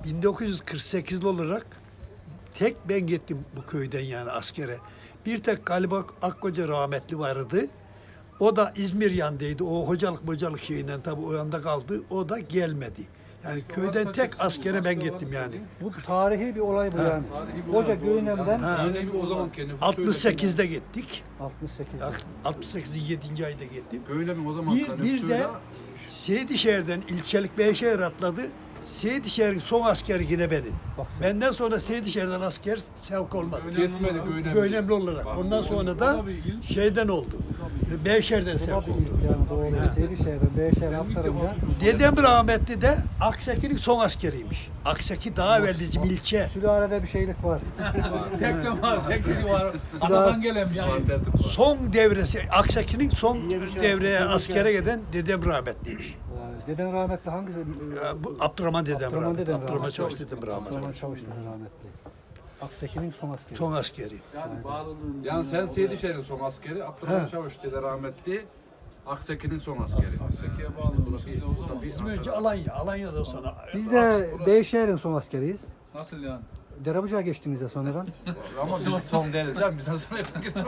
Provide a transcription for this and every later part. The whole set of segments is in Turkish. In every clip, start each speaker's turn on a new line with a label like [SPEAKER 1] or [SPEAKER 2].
[SPEAKER 1] 1948'li olarak tek ben gittim bu köyden yani askere. Bir tek galiba Akkoca rahmetli vardı. O da İzmir yandıydı. O hocalık şeyinden tabii o yanda kaldı. O da gelmedi. Yani köyden tek askere ben gittim yani.
[SPEAKER 2] Bu tarihi bir olay bu yani.
[SPEAKER 3] Tarihi bir
[SPEAKER 2] Hoca
[SPEAKER 3] olay.
[SPEAKER 2] Göğünem'den
[SPEAKER 3] Öyle bir o zaman kendi
[SPEAKER 1] 68'de gittik.
[SPEAKER 2] 68'de.
[SPEAKER 1] 68'in 7. ayda gittim.
[SPEAKER 3] Öyle mi o zaman?
[SPEAKER 1] Bir de Seydişehir'den ilçelik Beyşehir atladı. Seydişehir'in son askeri yine benim.
[SPEAKER 2] Bak sen.
[SPEAKER 1] Benden sonra Seydişehir'den asker sevk olmadı.
[SPEAKER 3] Yetmedi
[SPEAKER 1] Önemli olarak. Ondan sonra da şeyden oldu. Beyşehir'den
[SPEAKER 2] Bu
[SPEAKER 1] sevk
[SPEAKER 2] da bir ilk
[SPEAKER 1] oldu.
[SPEAKER 2] yani doğru. Seydişehir'den Beyşehir'e aktarınca
[SPEAKER 1] Dedem rahmetli de Akseki'nin son askeriymiş. Akseki daha evvel bizim ilçe.
[SPEAKER 2] sülalede bir şeylik var.
[SPEAKER 4] Tek de var, tek kişi var. Adadan gelen bir şey.
[SPEAKER 1] Son devresi, Akseki'nin son devreye askere giden dedem rahmetliymiş.
[SPEAKER 2] Deden rahmetli hangisi?
[SPEAKER 1] Ya, bu Abdurrahman dedem
[SPEAKER 2] Abdurrahman
[SPEAKER 1] rahmetli.
[SPEAKER 2] dedem
[SPEAKER 1] Abdurrahman
[SPEAKER 2] rahmetli.
[SPEAKER 1] Çavuş dedem
[SPEAKER 2] Abdurrahman
[SPEAKER 1] rahmetli.
[SPEAKER 2] Çavuş deden rahmetli. Akseki'nin son askeri.
[SPEAKER 1] Son askeri.
[SPEAKER 4] Yani bağlılığın.
[SPEAKER 3] Yani sen Seydişehir'in son askeri, Abdurrahman Çavuş dede rahmetli, Akseki'nin son askeri.
[SPEAKER 4] Akseki'ye bağlılığın. Biz de o zaman.
[SPEAKER 1] Bizim önce Alanya, Alanya'dan sonra.
[SPEAKER 2] Biz de Beyşehir'in son askeriyiz.
[SPEAKER 4] Nasıl yani?
[SPEAKER 2] Derabucağa geçtiniz ya sonradan.
[SPEAKER 3] Ama biz son değiliz canım, bizden sonra gidelim.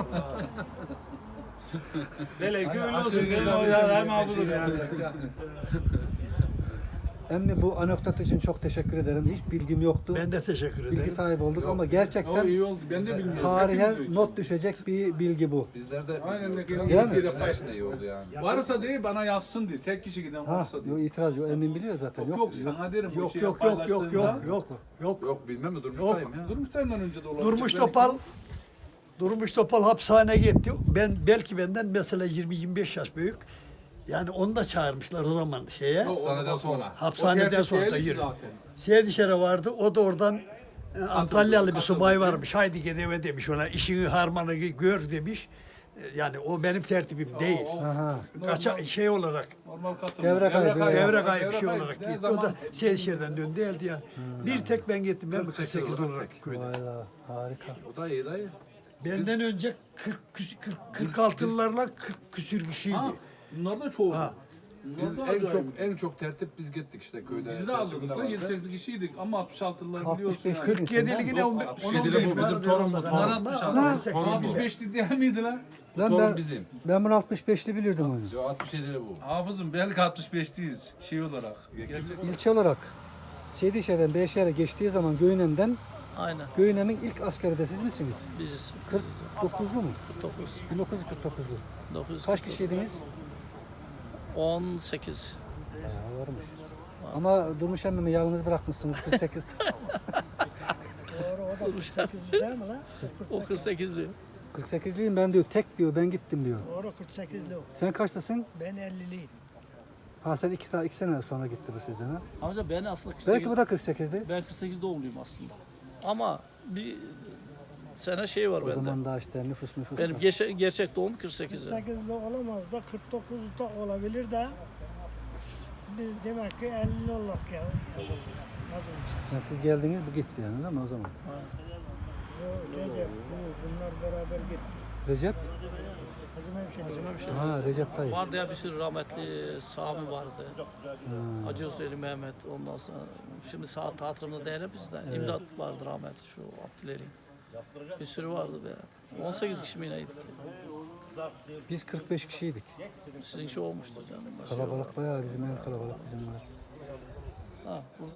[SPEAKER 4] Belki öyle olsun. Hem hafızım yani.
[SPEAKER 2] Emmi bu anekdot için çok teşekkür ederim. Hiç bilgim yoktu.
[SPEAKER 1] Ben de teşekkür
[SPEAKER 2] Bilgi
[SPEAKER 1] ederim.
[SPEAKER 2] sahibi olduk ama
[SPEAKER 4] O
[SPEAKER 2] gerçekten
[SPEAKER 4] iyi oldu. Ben de bilmiyorum.
[SPEAKER 2] tarihe
[SPEAKER 4] Hepimiz
[SPEAKER 2] not düşecek bir bilgi bu.
[SPEAKER 3] Bizlerde
[SPEAKER 4] Aynen de
[SPEAKER 2] Değil mi?
[SPEAKER 3] bir başına iyi oldu yani.
[SPEAKER 4] Varsa değil bana yazsın diye. Tek kişi giden
[SPEAKER 2] Ha,
[SPEAKER 4] varsa
[SPEAKER 2] yok
[SPEAKER 4] diye.
[SPEAKER 2] itiraz yok. Emin biliyor zaten.
[SPEAKER 4] Yok yok sana derim. bu
[SPEAKER 1] Yok
[SPEAKER 4] şeyi
[SPEAKER 1] yok yok yok yok
[SPEAKER 4] paylaştığında-
[SPEAKER 1] yok yok.
[SPEAKER 3] Yok bilmem mi durmuştayım ya.
[SPEAKER 4] Durmuşlarından önce de olabilir.
[SPEAKER 1] Durmuş Topal hapishaneye gitti. Belki benden mesela 20-25 yaş büyük. Yani onu da çağırmışlar o zaman şeye.
[SPEAKER 3] Hapishaneden sonra.
[SPEAKER 1] Hapishaneden sonra da yürü.
[SPEAKER 4] Zaten.
[SPEAKER 1] Seydişehir'e vardı. O da oradan Antalyalı bir subay varmış. Haydi gel eve demiş ona. İşini harmanı gör demiş. Yani o benim tertibim değil.
[SPEAKER 2] Aha.
[SPEAKER 1] Kaça şey olarak
[SPEAKER 4] Normal katılım.
[SPEAKER 2] Devre kaybı.
[SPEAKER 1] devre kayıp şey
[SPEAKER 4] kayıp.
[SPEAKER 1] olarak
[SPEAKER 4] Ne
[SPEAKER 1] gitti.
[SPEAKER 4] zaman-
[SPEAKER 1] O da Seydişehir'den döndü geldi yani. Bir tek ben gittim. Ben 48 olarak köyde.
[SPEAKER 2] Valla harika.
[SPEAKER 3] O da iyi dayı.
[SPEAKER 1] Benden önce 46'lılarla 40 küsür kişiydi.
[SPEAKER 4] Ha, bunlar da çoğu.
[SPEAKER 1] Ha.
[SPEAKER 3] Biz
[SPEAKER 4] Bunlar da
[SPEAKER 3] en çok tertip biz gittik işte köyde.
[SPEAKER 4] Biz de azdık da 7-8 kişiydik ama 66'lılar biliyorsun
[SPEAKER 2] 65
[SPEAKER 4] yani.
[SPEAKER 1] 47'lik ne
[SPEAKER 3] 67'li bu bizim torunumuz.
[SPEAKER 4] Bunlar 65'li değil miydiler?
[SPEAKER 2] Lan
[SPEAKER 3] Torun
[SPEAKER 2] ben,
[SPEAKER 3] bizim.
[SPEAKER 2] ben bunu 65'li bilirdim onu.
[SPEAKER 3] Yo 67'li bu.
[SPEAKER 4] Hafızım belki 65'liyiz şey olarak.
[SPEAKER 2] İlçe olarak Seydişehir'den Beyşehir'e geçtiği zaman Göğünem'den
[SPEAKER 5] Aynen
[SPEAKER 2] Göğünem'in ilk askeri de siz misiniz?
[SPEAKER 5] biziz.
[SPEAKER 2] 49'lu mu?
[SPEAKER 5] 49.
[SPEAKER 2] 1949'lu.
[SPEAKER 5] 900.
[SPEAKER 2] Kaç kişiydiniz?
[SPEAKER 5] 18.
[SPEAKER 2] Bayağı varmış. Ama Durmuş emmimi yalnız bırakmışsınız 48.
[SPEAKER 5] O 48 diyor.
[SPEAKER 2] 48'liyim ben diyor. Tek diyor. Ben gittim diyor.
[SPEAKER 6] Doğru 48'li o.
[SPEAKER 2] Sen kaçtasın?
[SPEAKER 6] Ben 50'liyim.
[SPEAKER 2] Ha sen iki sene sonra gitti bu sizden ha.
[SPEAKER 5] Amca ben aslında 48.
[SPEAKER 2] Belki bu da 48'di.
[SPEAKER 5] Ben 48 doğumluyum aslında. Ama bir sene şey var
[SPEAKER 2] O
[SPEAKER 5] bende.
[SPEAKER 2] zaman daha işte nüfus.
[SPEAKER 5] Benim gerçek doğum 48.
[SPEAKER 6] 48'li olamaz da 49'da olabilir de biz demek ki 50'li olduk ya yazılmışız.
[SPEAKER 2] Yani siz geldiniz bu gitti yani değil mi o zaman?
[SPEAKER 6] Bu Recep, bunlar beraber gitti.
[SPEAKER 2] Recep?
[SPEAKER 6] Hacı Memşehir.
[SPEAKER 2] Ha Recep dayı.
[SPEAKER 5] Vardı ya bir sürü rahmetli Sami vardı. Hacı Hüseyin Mehmet ondan sonra. Şimdi saat hatırımda değil bizde. İmdat vardı rahmetli şu Abdülelin. Bir sürü vardı be. 18 kişi mi neydik?
[SPEAKER 2] Biz 45 kişiydik.
[SPEAKER 5] Sizin şey olmuştur canım.
[SPEAKER 2] Kalabalık bayağı bizim en kalabalık bizim var.
[SPEAKER 5] Ha,